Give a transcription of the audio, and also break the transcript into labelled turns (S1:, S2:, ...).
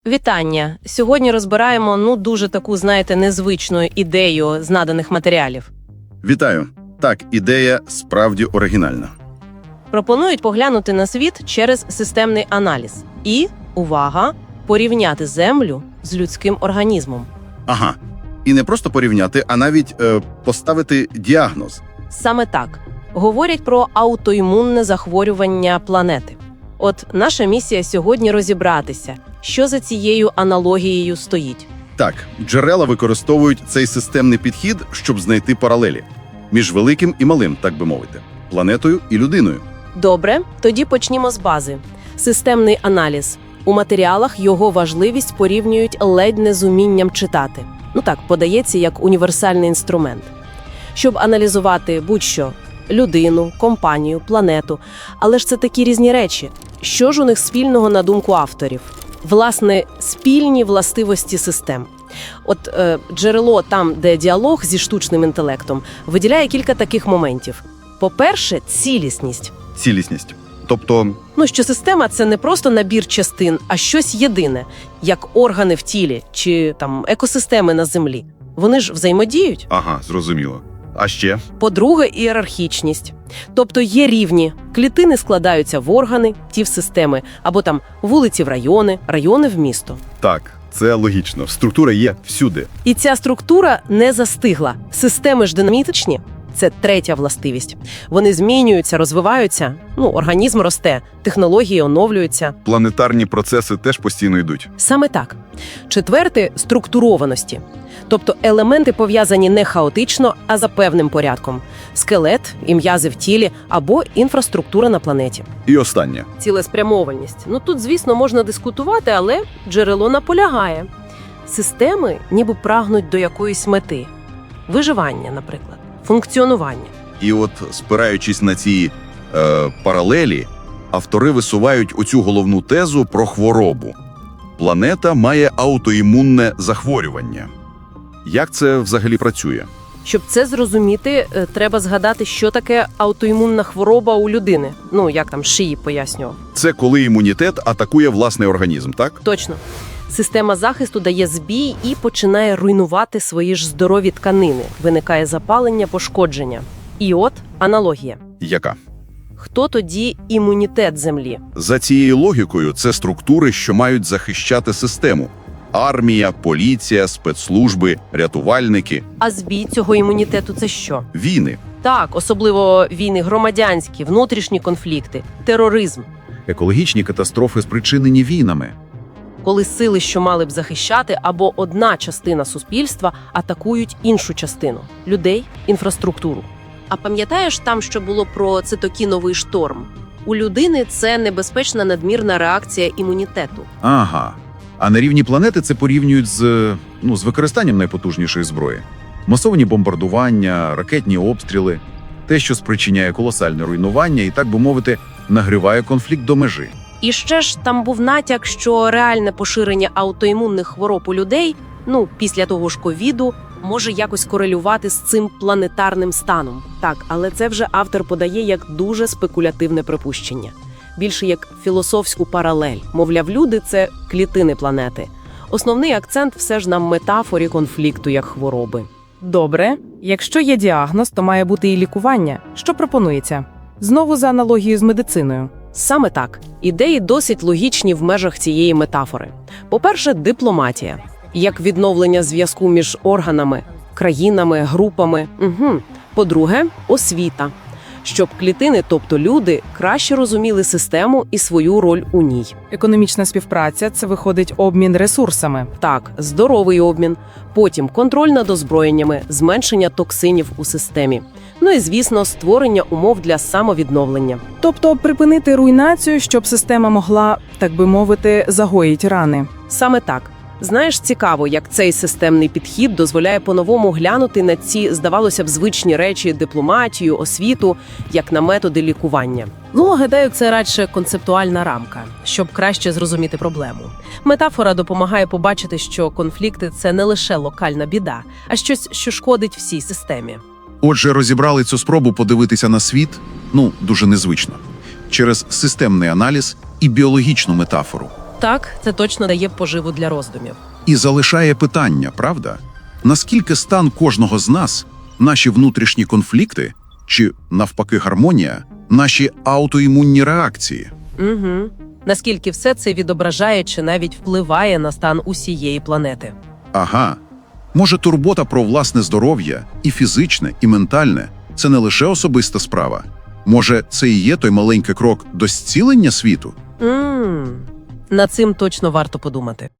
S1: Вітання! Сьогодні розбираємо, дуже таку, незвичну ідею з наданих матеріалів.
S2: Вітаю! Так, ідея справді оригінальна.
S1: Пропонують поглянути на світ через системний аналіз. І, увага, порівняти Землю з людським організмом.
S2: Ага. І не просто порівняти, а навіть поставити діагноз.
S1: Саме так. Говорять про аутоімунне захворювання планети. От наша місія сьогодні розібратися, що за цією аналогією стоїть.
S2: Так, джерела використовують цей системний підхід, щоб знайти паралелі між великим і малим, так би мовити, планетою і людиною.
S1: Добре, тоді почнімо з бази. Системний аналіз. У матеріалах його важливість порівнюють ледь не з умінням читати. Подається як універсальний інструмент. Щоб аналізувати будь-що – людину, компанію, планету. Але ж це такі різні речі. Що ж у них спільного на думку авторів? Власне, спільні властивості систем. Джерело там, де діалог зі штучним інтелектом, виділяє кілька таких моментів. По-перше, цілісність.
S2: Цілісність. Тобто,
S1: Що система – це не просто набір частин, а щось єдине, як органи в тілі чи екосистеми на Землі. Вони ж взаємодіють.
S2: ага, зрозуміло. А ще?
S1: По-друге, ієрархічність. Тобто є рівні. Клітини складаються в органи, ті в системи, або вулиці в райони, райони в місто.
S2: Так, це логічно. Структура є всюди.
S1: І ця структура не застигла. Системи ж динамічні. Це третя властивість. Вони змінюються, розвиваються, організм росте, технології оновлюються.
S2: Планетарні процеси теж постійно йдуть.
S1: Саме так. Четверте – структурованості. Тобто елементи пов'язані не хаотично, а за певним порядком. Скелет, і м'язи в тілі або інфраструктура на планеті.
S2: І останнє.
S1: Цілеспрямованість. Тут, звісно, можна дискутувати, але джерело наполягає. Системи ніби прагнуть до якоїсь мети. Виживання, наприклад. Функціонування.
S2: І спираючись на ці паралелі, автори висувають оцю головну тезу про хворобу. Планета має аутоімунне захворювання. Як це взагалі працює?
S1: Щоб це зрозуміти, треба згадати, що таке аутоімунна хвороба у людини. Як Шиї пояснював.
S2: Це коли імунітет атакує власний організм, так?
S1: Точно. Система захисту дає збій і починає руйнувати свої ж здорові тканини. Виникає запалення, пошкодження. І аналогія.
S2: Яка?
S1: Хто тоді імунітет Землі?
S2: За цією логікою, це структури, що мають захищати систему. Армія, поліція, спецслужби, рятувальники.
S1: А збій цього імунітету – це що?
S2: Війни.
S1: Так, особливо війни громадянські, внутрішні конфлікти, тероризм.
S3: Екологічні катастрофи, спричинені війнами.
S1: Коли сили, що мали б захищати, або одна частина суспільства атакують іншу частину – людей, інфраструктуру. А пам'ятаєш там, що було про цитокіновий шторм? У людини це небезпечна надмірна реакція імунітету.
S3: Ага. А на рівні планети це порівнюють з використанням найпотужнішої зброї. Масовані бомбардування, ракетні обстріли. Те, що спричиняє колосальне руйнування і, так би мовити, нагріває конфлікт до межі.
S1: І ще ж там був натяк, що реальне поширення аутоімунних хвороб у людей, після того ж ковіду, може якось корелювати з цим планетарним станом. Так, але це вже автор подає як дуже спекулятивне припущення. Більше як філософську паралель. Мовляв, люди – це клітини планети. Основний акцент все ж на метафорі конфлікту як хвороби.
S4: Добре. Якщо є діагноз, то має бути і лікування. Що пропонується? Знову за аналогією з медициною.
S1: Саме так. Ідеї досить логічні в межах цієї метафори. По-перше, дипломатія. Як відновлення зв'язку між органами, країнами, групами. По-друге, освіта. Щоб клітини, тобто люди, краще розуміли систему і свою роль у ній.
S4: Економічна співпраця – це виходить обмін ресурсами.
S1: Так, здоровий обмін. Потім контроль над озброєннями, зменшення токсинів у системі. І, звісно, створення умов для самовідновлення.
S4: Тобто припинити руйнацію, щоб система могла, так би мовити, загоїть рани.
S1: Саме так. Знаєш, цікаво, як цей системний підхід дозволяє по-новому глянути на ці, здавалося б, звичні речі – дипломатію, освіту, як на методи лікування. Гадаю, це радше концептуальна рамка, щоб краще зрозуміти проблему. Метафора допомагає побачити, що конфлікти – це не лише локальна біда, а щось, що шкодить всій системі.
S3: Отже, розібрали цю спробу подивитися на світ, дуже незвично, через системний аналіз і біологічну метафору.
S1: Так, це точно дає поживу для роздумів.
S3: І залишає питання, правда? Наскільки стан кожного з нас, наші внутрішні конфлікти, чи, навпаки, гармонія, наші аутоімунні реакції?
S1: Угу. Наскільки все це відображає чи навіть впливає на стан усієї планети.
S3: Ага. Може, турбота про власне здоров'я, і фізичне, і ментальне – це не лише особиста справа? Може, це і є той маленький крок до зцілення світу?
S1: Над цим точно варто подумати.